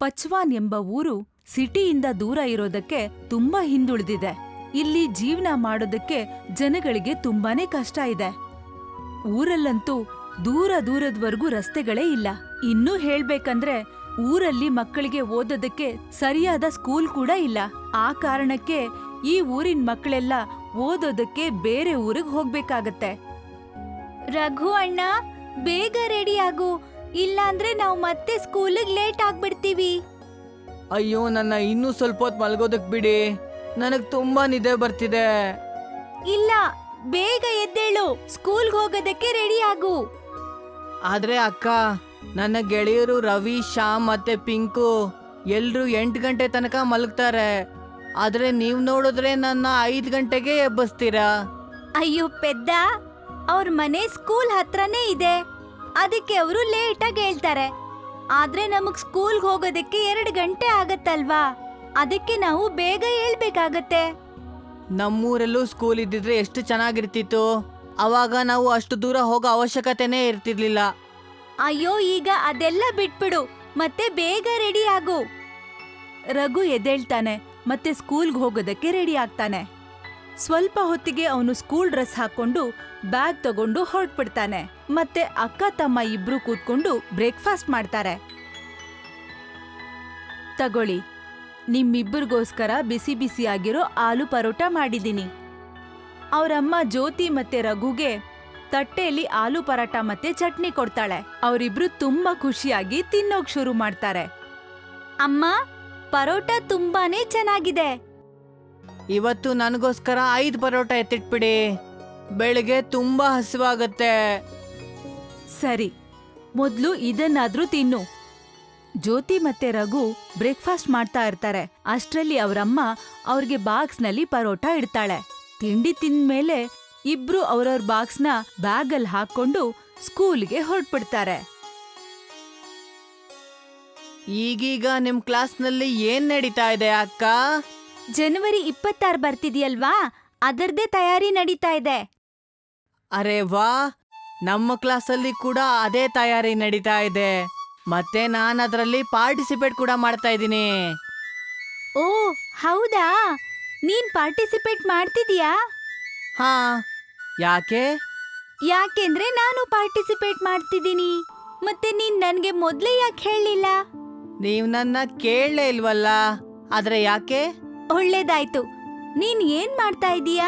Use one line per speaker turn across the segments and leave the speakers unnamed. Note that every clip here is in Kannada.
ಪಚ್ವಾನ್ ಎಂಬ ಊರು ಸಿಟಿಯಿಂದ ದೂರ ಇರೋದಕ್ಕೆ ತುಂಬಾ ಹಿಂದುಳಿದಿದೆ. ಇಲ್ಲಿ ಜೀವನ ಮಾಡೋದಕ್ಕೆ ಜನಗಳಿಗೆ ತುಂಬಾನೇ ಕಷ್ಟ ಇದೆ. ಊರಲ್ಲಂತೂ ದೂರದವರೆಗೂ ರಸ್ತೆಗಳೇ ಇಲ್ಲ. ಇನ್ನೂ ಹೇಳ್ಬೇಕಂದ್ರೆ ಊರಲ್ಲಿ ಮಕ್ಕಳಿಗೆ ಓದೋದಕ್ಕೆ ಸರಿಯಾದ ಸ್ಕೂಲ್ ಕೂಡ ಇಲ್ಲ. ಆ ಕಾರಣಕ್ಕೆ ಈ ಊರಿನ ಮಕ್ಕಳೆಲ್ಲ ಓದೋದಕ್ಕೆ ಬೇರೆ ಊರಿಗೆ ಹೋಗ್ಬೇಕಾಗತ್ತೆ. ರಘು ಅಣ್ಣ, ಬೇಗ ರೆಡಿ ಆಗು, ಇಲ್ಲಾಂದ್ರೆ ನಾವು ಮತ್ತೆ ಸ್ಕೂಲಿಗೆ ಲೇಟ್ ಆಗ್ಬಿಡ್ತೀವಿ.
ಅಯ್ಯೋ, ನನ್ನ ಇನ್ನೂ ಸ್ವಲ್ಪ ಹೊತ್ತು ಮಲ್ಗೋದಕ್ ಬಿಡಿ, ನನಗ್ ತುಂಬಾ ನಿದ್ದೆ ಬರ್ತಿದೆ.
ಇಲ್ಲ, ಬೇಗ ಎದ್ದೇಳು, ಸ್ಕೂಲ್ಗೆ ಹೋಗೋದಕ್ಕೆ ರೆಡಿ ಆಗು.
ಆದ್ರೆ ಅಕ್ಕ, ನನ್ನ ಗೆಳೆಯರು ರವಿ, ಶ್ಯಾಮ್ ಮತ್ತೆ ಪಿಂಕು ಎಲ್ರು 8 ಗಂಟೆ ತನಕ ಮಲಗ್ತಾರೆ. ಆದ್ರೆ ನೀವ್ ನೋಡಿದ್ರೆ ನನ್ನ 5 ಗಂಟೆಗೆ ಎಬ್ಬಿಸ್ತೀರಾ.
ಅಯ್ಯೋ ಪೆದ್ದ, ಅವ್ರ ಮನೆ ಸ್ಕೂಲ್ ಹತ್ರನೇ ಇದೆ, ಅದಕ್ಕೆ ಅವರು ಲೇಟಾಗಿ ಹೇಳ್ತಾರೆ. ಆದ್ರೆ ನಮಗ್ ಸ್ಕೂಲ್ಗೆ ಹೋಗೋದಕ್ಕೆ 2 ಗಂಟೆ ಆಗತ್ತಲ್ವಾ, ಅದಕ್ಕೆ ನಾವು ಬೇಗ ಹೇಳ್ಬೇಕಾಗತ್ತೆ.
ನಮ್ಮೂರಲ್ಲೂ ಸ್ಕೂಲ್ ಇದ್ದಿದ್ರೆ ಎಷ್ಟು ಚೆನ್ನಾಗಿರ್ತಿತ್ತು. ಅವಾಗ ನಾವು ಅಷ್ಟು ದೂರ ಹೋಗೋ ಅವಶ್ಯಕತೆನೇ ಇರ್ತಿರ್ಲಿಲ್ಲ.
ಅಯ್ಯೋ, ಈಗ ಅದೆಲ್ಲ ಬಿಟ್ಬಿಡು, ಮತ್ತೆ ಬೇಗ ರೆಡಿ ಆಗು. ರಘು ಎದ್ದೇಳ್ತಾನೆ ಮತ್ತೆ ಸ್ಕೂಲ್ಗೆ ಹೋಗೋದಕ್ಕೆ ರೆಡಿ ಆಗ್ತಾನೆ. ಸ್ವಲ್ಪ ಹೊತ್ತಿಗೆ ಅವನು ಸ್ಕೂಲ್ ಡ್ರೆಸ್ ಹಾಕೊಂಡು ಬ್ಯಾಗ್ ತಗೊಂಡು ಹೊರಟ್ಬಿಡ್ತಾನೆ. ಮತ್ತೆ ಅಕ್ಕ ತಮ್ಮ ಇಬ್ರು ಕೂತ್ಕೊಂಡು ಬ್ರೇಕ್ಫಾಸ್ಟ್ ಮಾಡ್ತಾರೆ. ತಗೊಳ್ಳಿ, ನಿಮ್ಮಿಬ್ಬರಿಗೋಸ್ಕರ ಬಿಸಿ ಬಿಸಿಯಾಗಿರೋ ಆಲೂ ಪರೋಟ ಮಾಡಿದೀನಿ. ಅವರಮ್ಮ ಜ್ಯೋತಿ ಮತ್ತೆ ರಘುಗೆ ತಟ್ಟೆಯಲ್ಲಿ ಆಲೂ ಪರಾಟ ಮತ್ತೆ ಚಟ್ನಿ ಕೊಡ್ತಾಳೆ. ಅವರಿಬ್ರು ತುಂಬಾ ಖುಷಿಯಾಗಿ ತಿನ್ನೋಕ್ ಶುರು ಮಾಡ್ತಾರೆ. ಅಮ್ಮ, ಪರೋಟ ತುಂಬಾನೇ ಚೆನ್ನಾಗಿದೆ.
ಇವತ್ತು ನನಗೋಸ್ಕರ 5 ಪರೋಟ ಎತ್ತಿಟ್ಬಿಡಿ, ಬೆಳಿಗ್ಗೆ ತುಂಬಾ ಹಸಿವಾಗತ್ತೆ.
ಸರಿ, ಮೊದ್ಲು ಇದನ್ನಾದ್ರೂ ತಿನ್ನು. ಜ್ಯೋತಿ ಮತ್ತೆ ರಘು ಬ್ರೇಕ್ಫಾಸ್ಟ್ ಮಾಡ್ತಾ ಇರ್ತಾರೆ. ಅಷ್ಟ್ರಲ್ಲಿ ಅವರಮ್ಮ ಅವ್ರಿಗೆ ಬಾಕ್ಸ್ನಲ್ಲಿ ಪರೋಟ ಇಡ್ತಾಳೆ. ತಿಂಡಿ ತಿಂದ್ಮೇಲೆ ಇಬ್ರು ಅವ್ರವ್ರ ಬಾಕ್ಸ್ನ ಬ್ಯಾಗಲ್ಲಿ ಹಾಕೊಂಡು ಸ್ಕೂಲ್ಗೆ ಹೊರಟ್ಬಿಡ್ತಾರೆ.
ಈಗೀಗ ನಿಮ್ ಕ್ಲಾಸ್ನಲ್ಲಿ ಏನ್ ನಡೀತಾ ಇದೆ ಅಕ್ಕ?
ಜನವರಿ 26 ಬರ್ತಿದ್ಯಲ್ವಾ, ಅದರದೇ ತಯಾರಿ ನಡೀತಾ ಇದೆ.
ಅರೆ ವಾ, ನಮ್ಮ ಕ್ಲಾಸಲ್ಲಿ ಕೂಡ ಅದೇ ತಯಾರಿ ನಡೀತಾ ಇದೆ. ಮತ್ತೆ ನಾನು ಅದರಲ್ಲಿ ಪಾರ್ಟಿಸಿಪೇಟ್ ಕೂಡ ಮಾಡ್ತಾ ಇದ್ದೀನಿ.
ಓ ಹೌದಾ, ನೀನ್ ಪಾರ್ಟಿಸಿಪೇಟ್ ಮಾಡ್ತಿದೀಯಾ?
ಹಾ, ಯಾಕೆ?
ಯಾಕೆಂದ್ರೆ ನಾನು ಪಾರ್ಟಿಸಿಪೇಟ್ ಮಾಡ್ತಿದ್ದೀನಿ. ಮತ್ತೆ ನೀನ್ ನನ್ಗೆ ಮೊದ್ಲೇ ಯಾಕೆ ಹೇಳಲಿಲ್ಲ?
ನೀವ್ ನನ್ನ ಕೇಳಲೇ ಇಲ್ವಲ್ಲ, ಆದ್ರೆ ಯಾಕೆ?
ಒಳ್ಳೇದಾಯ್ತು. ನೀನ್ ಏನ್ ಮಾಡ್ತಾ ಇದೀಯಾ?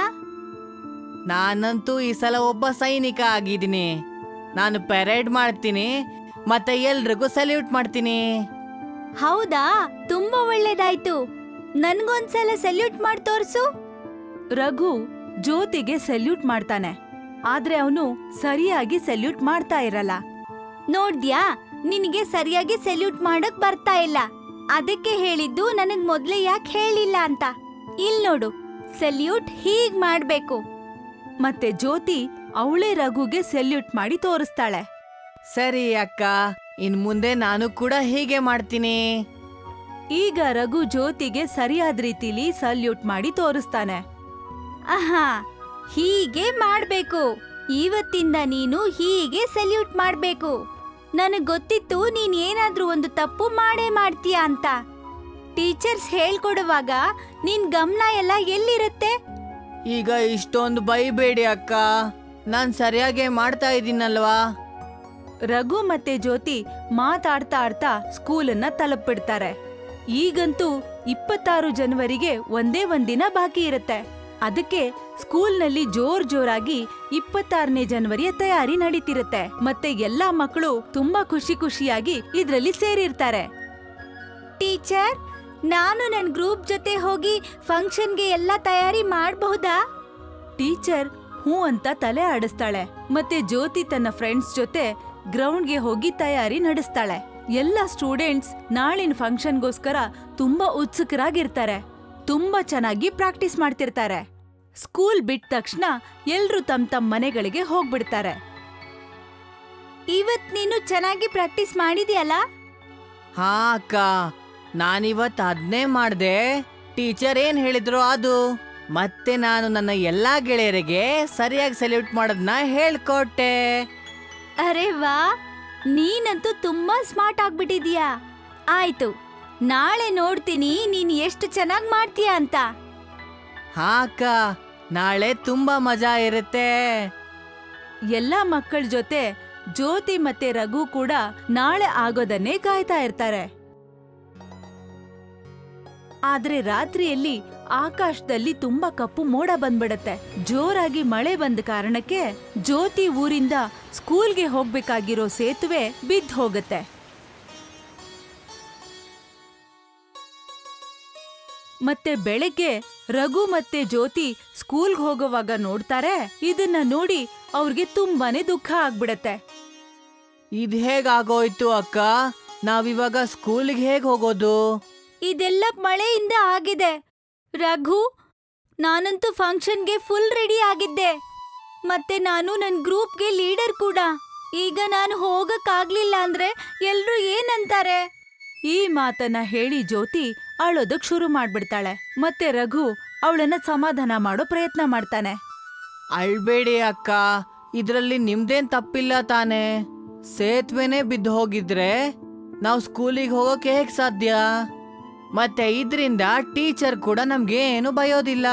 ನಾನಂತೂ ಈ ಸಲ ಒಬ್ಬ ಸೈನಿಕ ಆಗಿದ್ದೀನಿ. ನಾನು ಪೆರೇಡ್ ಮಾಡ್ತೀನಿ ಮತ್ತೆ ಎಲ್ರಿಗೂ ಸಲ್ಯೂಟ್ ಮಾಡ್ತೀನಿ.
ಹೌದಾ, ತುಂಬಾ ಒಳ್ಳೇದಾಯ್ತು. ನನ್ಗೊಂದ್ಸಲ ಸಲ್ಯೂಟ್ ಮಾಡಿ ತೋರ್ಸು. ರಘು ಜ್ಯೋತಿಗೆ ಸಲ್ಯೂಟ್ ಮಾಡ್ತಾನೆ, ಆದ್ರೆ ಅವನು ಸರಿಯಾಗಿ ಸಲ್ಯೂಟ್ ಮಾಡ್ತಾ ಇರಲ್ಲ. ನೋಡ್ದ್ಯಾ, ನಿನಗೆ ಸರಿಯಾಗಿ ಸಲ್ಯೂಟ್ ಮಾಡಕ್ ಬರ್ತಾ ಇಲ್ಲ. ಅದಕ್ಕೆ ಹೇಳಿದ್ದು ನನಗ್ ಮೊದ್ಲೇ ಯಾಕೆ ಹೇಳಿಲ್ಲ ಅಂತ. ಇಲ್ ನೋಡು, ಸಲ್ಯೂಟ್ ಹೀಗ್ ಮಾಡ್ಬೇಕು. ಮತ್ತೆ ಜ್ಯೋತಿ ಅವಳೇ ರಘುಗೆ ಸಲ್ಯೂಟ್ ಮಾಡಿ ತೋರಿಸ್ತಾಳೆ.
ಸರಿ ಅಕ್ಕ, ಇನ್ ಮುಂದೆ ನಾನು ಕೂಡ ಹೀಗೆ ಮಾಡ್ತೀನಿ.
ಈಗ ರಘು ಜ್ಯೋತಿಗೆ ಸರಿಯಾದ ರೀತಿಲಿ ಸಲ್ಯೂಟ್ ಮಾಡಿ ತೋರಿಸ್ತಾನೆ. ಆಹಾ, ಹೀಗೆ ಮಾಡ್ಬೇಕು. ಇವತ್ತಿಂದ ನೀನು ಹೀಗೆ ಸಲ್ಯೂಟ್ ಮಾಡ್ಬೇಕು. ನನಗ್ ಗೊತ್ತಿತ್ತು ನೀನ್ ಏನಾದ್ರೂ ಒಂದು ತಪ್ಪು ಮಾಡೇ ಮಾಡ್ತೀಯ ಅಂತ. ಟೀಚರ್ಸ್ ಹೇಳ್ಕೊಡುವಾಗ ನಿನ್ ಗಮನ ಎಲ್ಲ ಎಲ್ಲಿರುತ್ತೆ?
ಈಗ ಇಷ್ಟೊಂದು ಬೈಬೇಡಿ ಅಕ್ಕ, ನಾನ್ ಸರಿಯಾಗಿ ಮಾಡ್ತಾ ಇದ್ದೀನಲ್ವಾ?
ರಘು ಮತ್ತೆ ಜ್ಯೋತಿ ಮಾತಾಡ್ತಾ ಸ್ಕೂಲನ್ನ ತಲುಪಿಡ್ತಾರೆ. ಈಗಂತೂ 26 ಜನವರಿಗೆ ಒಂದೇ ಒಂದಿನ ಬಾಕಿ ಇರುತ್ತೆ. ಅದಕ್ಕೆ ಸ್ಕೂಲ್ನಲ್ಲಿ ಜೋರಾಗಿ 26ನೇ ಜನವರಿಯ ತಯಾರಿ ನಡೀತಿರುತ್ತೆ. ಮತ್ತೆ ಎಲ್ಲಾ ಮಕ್ಕಳು ತುಂಬಾ ಖುಷಿಯಾಗಿ ಇದ್ರಲ್ಲಿ ಸೇರಿರ್ತಾರೆ. ಟೀಚರ್, ನಾನು ನನ್ ಗ್ರೂಪ್ ಜೊತೆ ಹೋಗಿ ಫಂಕ್ಷನ್ಗೆ ಎಲ್ಲ ತಯಾರಿ ಮಾಡಬಹುದಾ? ಟೀಚರ್ ಹೂ ಅಂತ ತಲೆ ಆಡಿಸ್ತಾಳೆ. ಮತ್ತೆ ಜ್ಯೋತಿ ತನ್ನ ಫ್ರೆಂಡ್ಸ್ ಜೊತೆ ಗ್ರೌಂಡ್ಗೆ ಹೋಗಿ ತಯಾರಿ ನಡೆಸ್ತಾಳೆ. ಎಲ್ಲ ಸ್ಟೂಡೆಂಟ್ಸ್ ನಾಳಿನ ಫಂಕ್ಷನ್ಗೋಸ್ಕರ ತುಂಬಾ ಉತ್ಸುಕರಾಗಿರ್ತಾರೆ. ತುಂಬಾ ಚೆನ್ನಾಗಿ ಪ್ರಾಕ್ಟೀಸ್ ಮಾಡ್ತಿರ್ತಾರೆ. ಸ್ಕೂಲ್ ಬಿಟ್ಟ ತಕ್ಷಣ ಎಲ್ರೂ ತಮ್ಮ ಮನೆಗಳಿಗೆ ಹೋಗ್ಬಿಡ್ತಾರೆ. ಇವತ್ ನೀನು ಚೆನ್ನಾಗಿ ಪ್ರಾಕ್ಟೀಸ್ ಮಾಡಿದ್ಯಲ್ಲ?
ಹಾ ಅಕ್ಕ, ನಾನಿವತ್ ಅದನ್ನೇ ಮಾಡ್ದೆ. ಟೀಚರ್ ಏನ್ ಹೇಳಿದ್ರು ಅದು. ಮತ್ತೆ ನಾನು ನನ್ನ ಎಲ್ಲಾ ಗೆಳೆಯರಿಗೆ ಸರಿಯಾಗಿ ಸಲ್ಯೂಟ್ ಮಾಡೋದನ್ನ ಹೇಳ್ಕೊಟ್ಟೆ.
ಅರೆ ವಾ, ನೀನಂತೂ ತುಂಬಾ ಸ್ಮಾರ್ಟ್ ಆಗ್ಬಿಟ್ಟಿದ್ಯಾ. ಆಯ್ತು, ನಾಳೆ ನೋಡ್ತೀನಿ ನೀನ್ ಎಷ್ಟು ಚೆನ್ನಾಗ್ ಮಾಡ್ತೀಯ ಅಂತ.
ಹಾ ಅಕ್ಕ, ನಾಳೆ ತುಂಬಾ ಮಜಾ ಇರುತ್ತೆ.
ಎಲ್ಲಾ ಮಕ್ಕಳ ಜೊತೆ ಜ್ಯೋತಿ ಮತ್ತೆ ರಘು ಕೂಡ ನಾಳೆ ಆಗೋದನ್ನೇ ಕಾಯ್ತಾ ಇರ್ತಾರೆ. ಆದ್ರೆ ರಾತ್ರಿಯಲ್ಲಿ ಆಕಾಶದಲ್ಲಿ ತುಂಬಾ ಕಪ್ಪು ಮೋಡ ಬಂದ್ಬಿಡತ್ತೆ. ಜೋರಾಗಿ ಮಳೆ ಬಂದ ಕಾರಣಕ್ಕೆ ಜ್ಯೋತಿ ಊರಿಂದ ಸ್ಕೂಲ್ಗೆ ಹೋಗ್ಬೇಕಾಗಿರೋ ಸೇತುವೆ ಬಿದ್ದು ಹೋಗತ್ತೆ. ಮತ್ತೆ ಬೆಳಗ್ಗೆ ರಘು ಮತ್ತೆ ಜ್ಯೋತಿ ಸ್ಕೂಲ್ಗೆ ಹೋಗೋವಾಗ ನೋಡ್ತಾರೆ. ಇದನ್ನ ನೋಡಿ ಅವ್ರಿಗೆ ತುಂಬಾನೇ ದುಃಖ ಆಗ್ಬಿಡತ್ತೆ.
ಇದ್ ಹೇಗಾಗೋಯ್ತು ಅಕ್ಕ? ನಾವಿವಾಗ ಸ್ಕೂಲ್ಗೆ ಹೇಗ್ ಹೋಗೋದು?
ಇದೆಲ್ಲ ಮಳೆಯಿಂದ ಆಗಿದೆ ರಘು. ನಾನಂತೂ ಫಂಕ್ಷನ್ಗೆ ಫುಲ್ ರೆಡಿ ಆಗಿದ್ದೆ. ಮತ್ತೆ ನಾನು ನನ್ ಗ್ರೂಪ್ಗೆ ಲೀಡರ್ ಕೂಡ. ಈಗ ನಾನು ಹೋಗಕ್ಕಾಗ್ಲಿಲ್ಲ ಅಂದ್ರೆ ಎಲ್ರೂ ಏನಂತಾರೆ? ಈ ಮಾತನ್ನ ಹೇಳಿ ಜ್ಯೋತಿ ಅಳೋದಕ್ ಶುರು ಮಾಡ್ಬಿಡ್ತಾಳೆ. ಮತ್ತೆ ರಘು ಅವಳನ್ನ ಸಮಾಧಾನ ಮಾಡೋ ಪ್ರಯತ್ನ ಮಾಡ್ತಾನೆ.
ಅಳ್ಬೇಡಿ ಅಕ್ಕ, ಇದ್ರಲ್ಲಿ ನಿಮ್ದೇನ್ ತಪ್ಪಿಲ್ಲ ತಾನೆ. ಸೇತುವೆನೇ ಬಿದ್ದು ಹೋಗಿದ್ರೆ ನಾವು ಸ್ಕೂಲಿಗೆ ಹೋಗೋಕೆ ಹೇಗ್ ಸಾಧ್ಯ? ಮತ್ತೆ ಇದ್ರಿಂದ ಟೀಚರ್ ಕೂಡ ನಮ್ಗೆ ಏನು ಬಯೋದಿಲ್ಲ.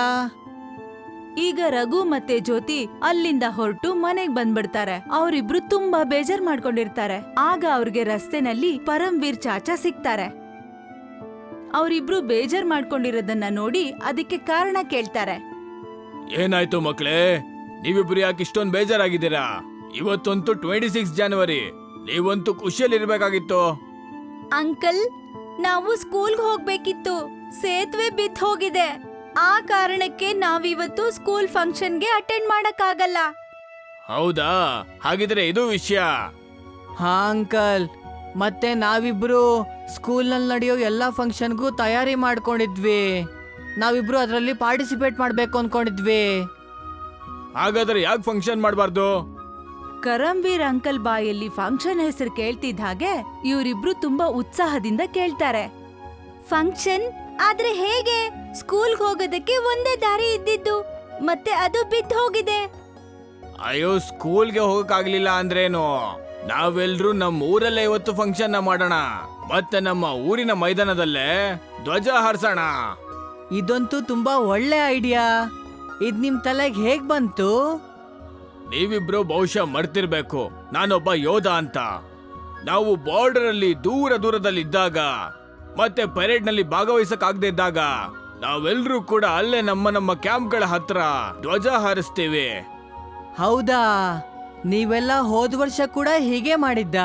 ಈಗ ರಘು ಮತ್ತೆ ಜ್ಯೋತಿ ಅಲ್ಲಿಂದ ಹೊರಟು ಮನೆಗ್ ಬಂದ್ಬಿಡ್ತಾರೆ. ಅವರಿಬ್ರು ತುಂಬಾ ಬೇಜಾರ್ ಮಾಡ್ಕೊಂಡಿರ್ತಾರೆ. ಆಗ ಅವ್ರಿಗೆ ರಸ್ತೆನಲ್ಲಿ ಪರಮ್ವೀರ್ ಚಾಚಾ ಸಿಗ್ತಾರೆ. ಅವರಿಬ್ರು ಬೇಜಾರ್ ಮಾಡ್ಕೊಂಡಿರೋದನ್ನ ನೋಡಿ ಅದಕ್ಕೆ ಕಾರಣ ಕೇಳ್ತಾರೆ.
ಏನಾಯ್ತು ಮಕ್ಳೇ, ನೀವಿಬ್ರು ಯಾಕೆ ಇಷ್ಟೊಂದು ಬೇಜಾರಾಗಿದ್ದೀರಾ? ಇವತ್ತಂತೂ 26 ಜನವರಿ, ನೀವಂತೂ ಖುಷಿಯಲ್ಲಿರ್ಬೇಕಾಗಿತ್ತು.
ಅಂಕಲ್, ನಾವು ಸ್ಕೂಲ್ಗೆ ಹೋಗ್ಬೇಕಿತ್ತು. ಸೇತುವೆ ಬಿದ್ದು ಹೋಗಿದೆ. ಆ ಕಾರಣಕ್ಕೆ ನಾವಿವತ್ತು ಸ್ಕೂಲ್ ಫಂಕ್ಷನ್ಗೆ ಅಟೆಂಡ್ ಮಾಡಕ್ಕಾಗಲ್ಲ.
ಹೌದಾ? ಹಾಗಿದ್ರೆ ಇದು ವಿಷಯ.
ಹಾ ಅಂಕಲ್, ಮತ್ತೆ ನಾವಿಬ್ರು ಸ್ಕೂಲ್ನಲ್ಲಿ ನಡೆಯೋ ಎಲ್ಲಾ ಫಂಕ್ಷನ್ಗೂ ತಯಾರಿ ಮಾಡ್ಕೊಂಡಿದ್ವಿ. ನಾವಿಬ್ರು ಅದರಲ್ಲಿ ಪಾರ್ಟಿಸಿಪೇಟ್ ಮಾಡ್ಬೇಕು ಅನ್ಕೊಂಡಿದ್ವಿ.
ಹಾಗಾದ್ರೆ ಯಾಕೆ ಫಂಕ್ಷನ್ ಮಾಡಬಾರ್ದು?
ಕರಂವೀರ್ ಅಂಕಲ್ ಬಾಯಲ್ಲಿ ಫಂಕ್ಷನ್ ಹೆಸರು ಕೇಳ್ತಿದ್ದ ಹಾಗೆ ಇವರಿಬ್ರು ತುಂಬಾ ಉತ್ಸಾಹದಿಂದ ಕೇಳ್ತಾರೆ. ಫಂಕ್ಷನ್ ಆದ್ರೆ ಹೇಗೆ? ಸ್ಕೂಲ್ಗೆ ಹೋಗೋದಕ್ಕೆ ಒಂದೇ ದಾರಿ ಇದ್ದಿದ್ದು, ಮತ್ತೆ ಅದು ಬಿದ್ದು ಹೋಗಿದೆ.
ಅಯ್ಯೋ, ಸ್ಕೂಲ್ಗೆ ಹೋಗಕ್ಕಾಗ್ಲಿಲ್ಲ ಅಂದ್ರೇನು? ನಾವೆಲ್ರೂ ನಮ್ಮ ಊರಲ್ಲೇ ಇವತ್ತು ಫಂಕ್ಷನ್ ಮಾಡೋಣ. ಮತ್ತೆ ನಮ್ಮ ಊರಿನ ಮೈದಾನದಲ್ಲೇ ಧ್ವಜ ಹಾರಿಸೋಣ.
ಇದಂತೂ ತುಂಬಾ ಒಳ್ಳೆ ಐಡಿಯಾ. ಇದ್ ನಿಮ್ ತಲೆಗೆ ಹೇಗ್ ಬಂತು?
ನೀವಿಬ್ರು ಬಹುಶಃ ಮರ್ತಿರ್ಬೇಕು, ನಾನೊಬ್ಬ ಯೋಧ ಅಂತ. ನಾವು ಬಾರ್ಡರ್ ಅಲ್ಲಿ ದೂರದಲ್ಲಿ ಇದ್ದಾಗ ಮತ್ತೆ ಪರೇಡ್ ನಲ್ಲಿ ಭಾಗವಹಿಸಕ್ಕಾಗದೇ ಇದ್ದಾಗ ನಾವೆಲ್ಲರೂ ಕೂಡ ಅಲ್ಲೇ ನಮ್ಮ ಕ್ಯಾಂಪ್ಗಳ ಹತ್ರ ಧ್ವಜ ಹಾರಿಸ್ತೀವಿ.
ಹೌದಾ? ನೀವೆಲ್ಲ ಹೋದ ವರ್ಷ ಕೂಡ ಹೀಗೆ ಮಾಡಿದ್ದಾ?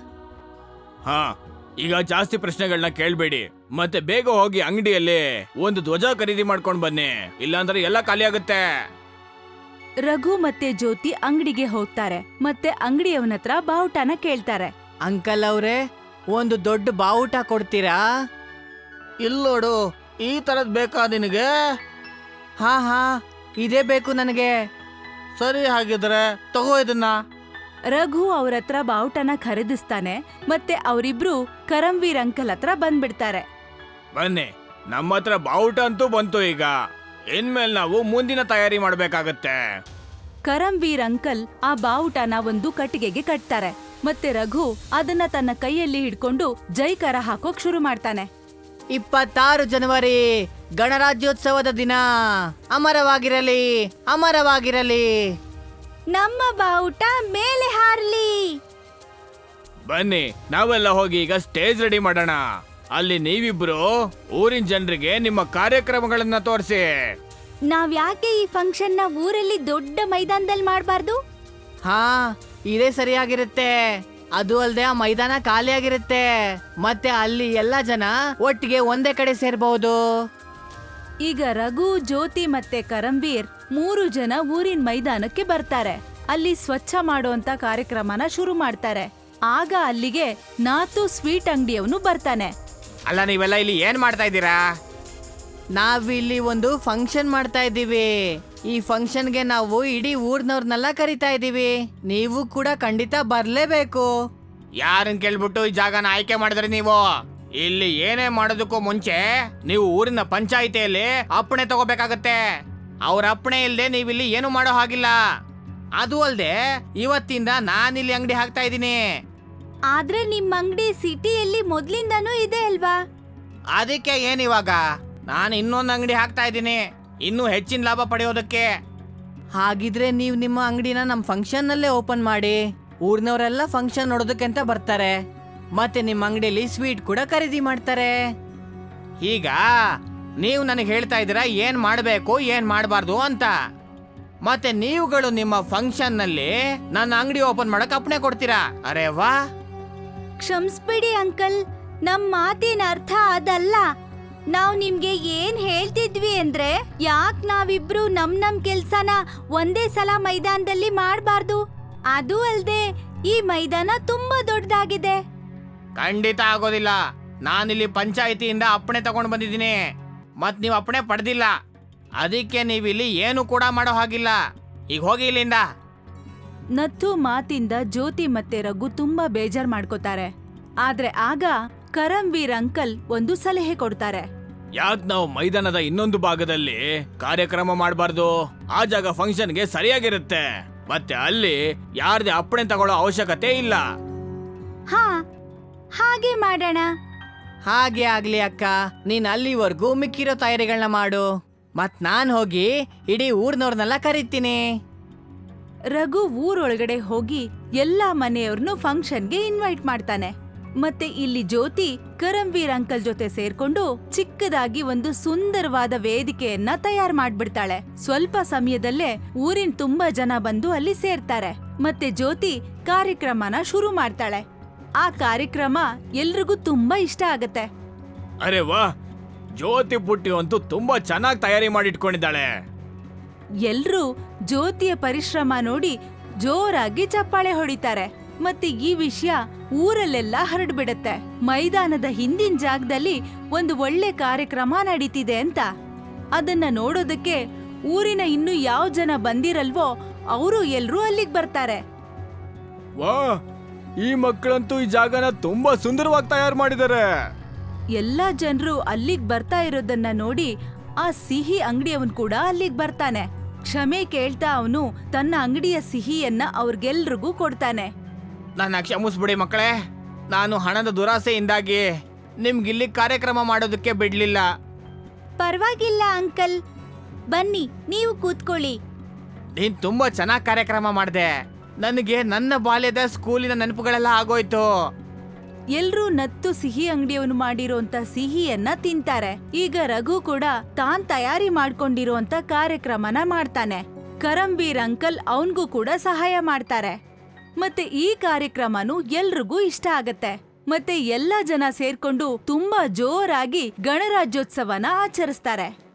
ಹಾ, ಈಗ ಜಾಸ್ತಿ ಪ್ರಶ್ನೆಗಳನ್ನ ಕೇಳ್ಬೇಡಿ. ಮತ್ತೆ ಬೇಗ ಹೋಗಿ ಅಂಗಡಿಯಲ್ಲಿ ಒಂದು ಧ್ವಜ ಖರೀದಿ ಮಾಡ್ಕೊಂಡ್ ಬನ್ನಿ, ಇಲ್ಲಾಂದ್ರೆ ಎಲ್ಲ ಖಾಲಿ ಆಗುತ್ತೆ.
ರಘು ಮತ್ತೆ ಜ್ಯೋತಿ ಅಂಗಡಿಗೆ ಹೋಗ್ತಾರೆ. ಮತ್ತೆ ಅಂಗಡಿಯವನತ್ರ ಬಾವುಟನ ಕೇಳ್ತಾರೆ.
ಅಂಕಲ್ ಅವ್ರೆ, ಒಂದು ದೊಡ್ಡ ಬಾವುಟ ಕೊಡ್ತೀರಾ?
ಇಲ್ಲೋಡು, ಈ ತರದ್ ಬೇಕಾ ನಿನಗೆ?
ಹಾ ಹಾ, ಇದೇ ಬೇಕು ನನಗೆ.
ಸರಿ, ಹಾಗಿದ್ರೆ ತಗೋ ಇದನ್ನ.
ರಘು ಅವ್ರ ಹತ್ರ ಬಾವುಟನ ಖರೀದಿಸ್ತಾನೆ. ಮತ್ತೆ ಅವರಿಬ್ರು ಕರಂವೀರ್ ಅಂಕಲ್ ಹತ್ರ ಬಂದ್ಬಿಡ್ತಾರೆ.
ಬನ್ನಿ, ನಮ್ಮ ಹತ್ರ ಬಾವುಟ ಅಂತೂ ಬಂತು. ಈಗ ಇನ್ಮೇಲೆ ನಾವು ಮುಂದಿನ ತಯಾರಿ ಮಾಡ್ಬೇಕಾಗತ್ತೆ.
ಕರಂವೀರ್ ಅಂಕಲ್ ಆ ಬಾವುಟನ ಒಂದು ಕಟ್ಟಿಗೆಗೆ ಕಟ್ತಾರೆ. ಮತ್ತೆ ರಘು ಅದನ್ನ ತನ್ನ ಕೈಯಲ್ಲಿ ಹಿಡ್ಕೊಂಡು ಜೈಕಾರ ಹಾಕೋಕ್ ಶುರು ಮಾಡ್ತಾನೆ.
26 ಜನವರಿ ಗಣರಾಜ್ಯೋತ್ಸವದ ದಿನ. ಅಮರವಾಗಿರಲಿ, ಅಮರವಾಗಿರಲಿ.
ನಮ್ಮ ಬಾವುಟ ಮೇಲೆ ಹಾರ್ಲಿ.
ಬನ್ನಿ, ನಾವೆಲ್ಲ ಹೋಗಿ ಈಗ ಸ್ಟೇಜ್ ರೆಡಿ ಮಾಡೋಣ. ಅಲ್ಲಿ ನೀವಿಬ್ರು ಊರಿನ ಜನರಿಗೆ ನಿಮ್ಮ ಕಾರ್ಯಕ್ರಮಗಳನ್ನ ತೋರಿಸಿ.
ನಾವ್ ಯಾಕೆ ಈ ಫಂಕ್ಷನ್ ನ ಊರಲ್ಲಿ ದೊಡ್ಡ ಮೈದಾನದಲ್ಲಿ ಮಾಡಬಾರ್ದು?
ಹಾ, ಇದೇ ಸರಿಯಾಗಿರುತ್ತೆ. ಅದು ಅಲ್ಲದೆ ಆ ಮೈದಾನ ಖಾಲಿಯಾಗಿರುತ್ತೆ. ಮತ್ತೆ ಅಲ್ಲಿ ಎಲ್ಲ ಜನ ಒಟ್ಟಿಗೆ ಒಂದೇ ಕಡೆ ಸೇರ್ಬಹುದು.
ಈಗ ರಘು, ಜ್ಯೋತಿ ಮತ್ತೆ ಕರಂವೀರ್ 3 ಜನ ಊರಿನ ಮೈದಾನಕ್ಕೆ ಬರ್ತಾರೆ. ಅಲ್ಲಿ ಸ್ವಚ್ಛ ಮಾಡುವಂತ ಕಾರ್ಯಕ್ರಮನ ಶುರು ಮಾಡ್ತಾರೆ. ಆಗ ಅಲ್ಲಿಗೆ ನಾತು ಸ್ವೀಟ್ ಅಂಗಡಿಯವನು ಬರ್ತಾನೆ.
ಅಲ್ಲ, ನೀವೆಲ್ಲ ಇಲ್ಲಿ ಏನ್ ಮಾಡ್ತಾ ಇದ್ದೀರಾ?
ನಾವಿಲ್ಲಿ ಒಂದು ಫಂಕ್ಷನ್ ಮಾಡ್ತಾ ಇದ್ದೀವಿ. ಈ ಫಂಕ್ಷನ್ಗೆ ನಾವು ಇಡೀ ಊರ್ನವ್ರನ್ನೆಲ್ಲ ಕರಿತಾ ಇದ್ದೀವಿ. ನೀವು ಕೂಡ ಖಂಡಿತ ಬರ್ಲೇಬೇಕು.
ಯಾರನ್ನ ಕೇಳ್ಬಿಟ್ಟು ಈ ಜಾಗನ ಆಯ್ಕೆ ಮಾಡಿದ್ರಿ ನೀವು? ಇಲ್ಲಿ ಏನೇ ಮಾಡೋದಕ್ಕೂ ಮುಂಚೆ ನೀವು ಊರಿನ ಪಂಚಾಯಿತಿಯಲ್ಲಿ ಅಪ್ಪಣೆ ತಗೋಬೇಕಾಗತ್ತೆ. ಅವ್ರ ಅಪ್ಪಣೆ ಇಲ್ಲದೆ ನೀವಿಲ್ಲಿ ಏನು ಮಾಡೋ ಹಾಗಿಲ್ಲ. ಅದು ಅಲ್ಲದೆ ಇವತ್ತಿಂದ ನಾನಿಲ್ಲಿ ಅಂಗಡಿ ಹಾಕ್ತಾ ಇದ್ದೀನಿ.
ಆದ್ರೆ ನಿಮ್ ಅಂಗಡಿ ಸಿಟಿಯಲ್ಲಿ ಮೊದ್ಲಿಂದಾನೂ ಇದೆ ಅಲ್ವಾ?
ಅದಕ್ಕೆ ಏನಿವಾಗ ನಾನು ಇನ್ನೊಂದು ಅಂಗಡಿ ಹಾಕ್ತಾ ಇದ್ದೀನಿ, ಇನ್ನೂ ಹೆಚ್ಚಿನ ಲಾಭ ಪಡೆಯೋದಕ್ಕೆ. ಹಾಗಿದ್ರೆ ನೀವು ನಿಮ್ಮ ಅಂಗಡಿನ ನಮ್ಮ ಫಂಕ್ಷನ್ನಲ್ಲೇ ಓಪನ್ ಮಾಡಿ, ಊರಿನವರೆಲ್ಲ ಫಂಕ್ಷನ್ ನೋಡೋದಕ್ಕೆ ಅಂತ ಬರ್ತಾರೆ, ಮತ್ತೆ ನಿಮ್ಮ ಅಂಗಡಿಯಲ್ಲಿ ಸ್ವೀಟ್ ಕೂಡ ಖರೀದಿ ಮಾಡ್ತಾರೆ. ಈಗ ನೀವು ನನಗೆ ಹೇಳ್ತಾ ಇದ್ದೀರಾ ಏನ್ ಮಾಡಬೇಕು ಏನ್ ಮಾಡಬಾರ್ದು ಅಂತ, ಮತ್ತೆ ನೀವುಗಳು ನಿಮ್ಮ ಫಂಕ್ಷನ್ನಲ್ಲಿ ನನ್ನ ಅಂಗಡಿ ಓಪನ್ ಮಾಡಕ್ ಅಪ್ಪಣೆ ಕೊಡ್ತೀರಾ? ಅರೆ ವಾ!
ಕ್ಷಮಿಸ್ಬಿಡಿ ಅಂಕಲ್, ನಮ್ ಮಾತಿನ ಅರ್ಥ ಅದಲ್ಲ. ನಾವ್ ನಿಮ್ಗೆ ಏನ್ ಹೇಳ್ತಿದ್ವಿ ಅಂದ್ರೆ, ಯಾಕ್ ನಾವಿಬ್ರು ನಮ್ ಕೆಲ್ಸನ ಒಂದೇ ಸಲ ಮೈದಾನದಲ್ಲಿ ಮಾಡ್ಬಾರ್ದು? ಅದು ಅಲ್ದೆ ಈ ಮೈದಾನ ತುಂಬಾ ದೊಡ್ಡದಾಗಿದೆ.
ಖಂಡಿತ ಆಗೋದಿಲ್ಲ. ನಾನಿಲ್ಲಿ ಪಂಚಾಯಿತಿಯಿಂದ ಅಪ್ಪಣೆ ತಗೊಂಡು ಬಂದಿದ್ದೀನಿ, ಮತ್ ನೀವು ಅಪ್ಪಣೆ ಪಡೆದಿಲ್ಲ. ಅದಕ್ಕೆ ನೀವಿಲ್ಲಿ ಏನು ಕೂಡ ಮಾಡೋ ಹಾಗಿಲ್ಲ. ಈಗ ಹೋಗಿ ಇಲ್ಲಿಂದ.
ನತ್ತು ಮಾತಿಂದ ಜ್ಯೋತಿ ಮತ್ತೆ ರಘು ತುಂಬಾ ಬೇಜಾರ್ ಮಾಡ್ಕೋತಾರೆ. ಆದ್ರೆ ಆಗ ಕರಮ್ವೀರ್ ಅಂಕಲ್ ಒಂದು ಸಲಹೆ ಕೊಡ್ತಾರೆ.
ಯಾಕೆ ನಾವು ಮೈದಾನದ ಇನ್ನೊಂದು ಭಾಗದಲ್ಲಿ ಕಾರ್ಯಕ್ರಮ ಮಾಡಬಾರ್ದು? ಆ ಜಾಗ ಫಂಕ್ಷನ್ಗೆ ಸರಿಯಾಗಿರುತ್ತೆ, ಮತ್ತೆ ಅಲ್ಲಿ ಯಾರ್ದೇ ಅಪ್ಪಣೆ ತಗೊಳ್ಳೋ ಅವಶ್ಯಕತೆ ಇಲ್ಲ.
ಹಾ, ಹಾಗೆ ಮಾಡೋಣ.
ಹಾಗೆ ಆಗ್ಲಿ ಅಕ್ಕ, ನೀನ್ ಅಲ್ಲಿವರೆಗೂ ಮಿಕ್ಕಿರೋ ತಯಾರಿಗಳನ್ನ ಮಾಡು, ಮತ್ ನಾನ್ ಹೋಗಿ ಇಡೀ ಊರ್ನವ್ರನ್ನೆಲ್ಲ ಕರೀತೀನಿ.
ರಘು ಊರೊಳಗಡೆ ಹೋಗಿ ಎಲ್ಲಾ ಮನೆಯವ್ರನ್ನು ಫಂಕ್ಷನ್ಗೆ ಇನ್ವೈಟ್ ಮಾಡ್ತಾನೆ. ಮತ್ತೆ ಇಲ್ಲಿ ಜ್ಯೋತಿ ಕರಮ್ವೀರ್ ಅಂಕಲ್ ಜೊತೆ ಸೇರ್ಕೊಂಡು ಚಿಕ್ಕದಾಗಿ ಒಂದು ಸುಂದರವಾದ ವೇದಿಕೆಯನ್ನ ತಯಾರು ಮಾಡ್ಬಿಡ್ತಾಳೆ. ಸ್ವಲ್ಪ ಸಮಯದಲ್ಲೇ ಊರಿನ ತುಂಬಾ ಜನ ಬಂದು ಅಲ್ಲಿ ಸೇರ್ತಾರೆ. ಮತ್ತೆ ಜ್ಯೋತಿ ಕಾರ್ಯಕ್ರಮನ ಶುರು ಮಾಡ್ತಾಳೆ. ಆ ಕಾರ್ಯಕ್ರಮ ಎಲ್ರಿಗೂ ತುಂಬಾ ಇಷ್ಟ ಆಗತ್ತೆ.
ಅರೆ ವಾ, ಜ್ಯೋತಿ ಪುಟ್ಟಿ ಅಂತೂ ತುಂಬಾ ಚೆನ್ನಾಗಿ ತಯಾರಿ ಮಾಡಿಟ್ಕೊಂಡಿದ್ದಾಳೆ.
ಎಲ್ರೂ ಜ್ಯೋತಿಯ ಪರಿಶ್ರಮ ನೋಡಿ ಜೋರಾಗಿ ಚಪ್ಪಾಳೆ ಹೊಡಿತಾರೆ. ಮತ್ತೆ ಈ ವಿಷಯ ಊರಲ್ಲೆಲ್ಲ ಹರಡ್ಬಿಡತ್ತೆ. ಮೈದಾನದ ಹಿಂದಿನ ಜಾಗದಲ್ಲಿ ಒಂದು ಒಳ್ಳೆ ಕಾರ್ಯಕ್ರಮ ನಡೀತಿದೆ ಅಂತ. ಅದನ್ನ ನೋಡೋದಕ್ಕೆ ಊರಿನ ಇನ್ನು ಯಾವ ಜನ ಬಂದಿರಲ್ವೋ ಅವರು ಎಲ್ರೂ ಅಲ್ಲಿಗೆ ಬರ್ತಾರೆ.
ವಾ, ಈ ಮಕ್ಕಳಂತೂ ಈ ಜಾಗನ ತುಂಬಾ ಸುಂದರವಾಗಿ ತಯಾರು ಮಾಡಿದ್ದಾರೆ.
ಎಲ್ಲಾ ಜನರು ಅಲ್ಲಿಗ್ ಬರ್ತಾ ಇರೋದನ್ನ ನೋಡಿ ಆ ಸಿಹಿ ಅಂಗಡಿಯವನ್ ಕೂಡ ಅಲ್ಲಿಗ್ ಬರ್ತಾನೆ. ಕ್ಷಮೆ ಕೇಳ್ತಾ ಅವನು ತನ್ನ ಅಂಗಡಿಯ ಸಿಹಿಯನ್ನ ಅವ್ರಿಗೆಲ್ರಿಗೂ ಕೊಡ್ತಾನೆ.
ನನ್ನ ಕ್ಷಮಿಸ್ಬಿಡಿ ಮಕ್ಕಳೇ, ನಾನು ಹಣದ ದುರಾಸೆಯಿಂದಾಗಿ ನಿಮ್ಗಿಲ್ಲಿ ಕಾರ್ಯಕ್ರಮ ಮಾಡೋದಕ್ಕೆ ಬಿಡ್ಲಿಲ್ಲ.
ಪರವಾಗಿಲ್ಲ ಅಂಕಲ್, ಬನ್ನಿ ನೀವು ಕೂತ್ಕೊಳ್ಳಿ.
ನೀನ್ ತುಂಬಾ ಚೆನ್ನಾಗಿ ಕಾರ್ಯಕ್ರಮ ಮಾಡಿದೆ. ನನಗೆ ನನ್ನ ಬಾಲ್ಯದ ಸ್ಕೂಲಿನ ನೆನಪುಗಳೆಲ್ಲ ಆಗೋಯ್ತು.
ಎಲ್ರೂ ನತ್ತು ಸಿಹಿ ಅಂಗಡಿಯವನು ಮಾಡಿರೋಂತ ಸಿಹಿಯನ್ನ ತಿಂತಾರೆ. ಈಗ ರಘು ಕೂಡ ತಾನ್ ತಯಾರಿ ಮಾಡ್ಕೊಂಡಿರೋಂತ ಕಾರ್ಯಕ್ರಮನ ಮಾಡ್ತಾನೆ. ಕರಮ್ವೀರ್ ಅಂಕಲ್ ಅವನ್ಗೂ ಕೂಡ ಸಹಾಯ ಮಾಡ್ತಾರೆ. ಮತ್ತೆ ಈ ಕಾರ್ಯಕ್ರಮನು ಎಲ್ರಿಗೂ ಇಷ್ಟ ಆಗತ್ತೆ. ಮತ್ತೆ ಎಲ್ಲಾ ಜನ ಸೇರ್ಕೊಂಡು ತುಂಬಾ ಜೋರಾಗಿ ಗಣರಾಜ್ಯೋತ್ಸವನ ಆಚರಿಸ್ತಾರೆ.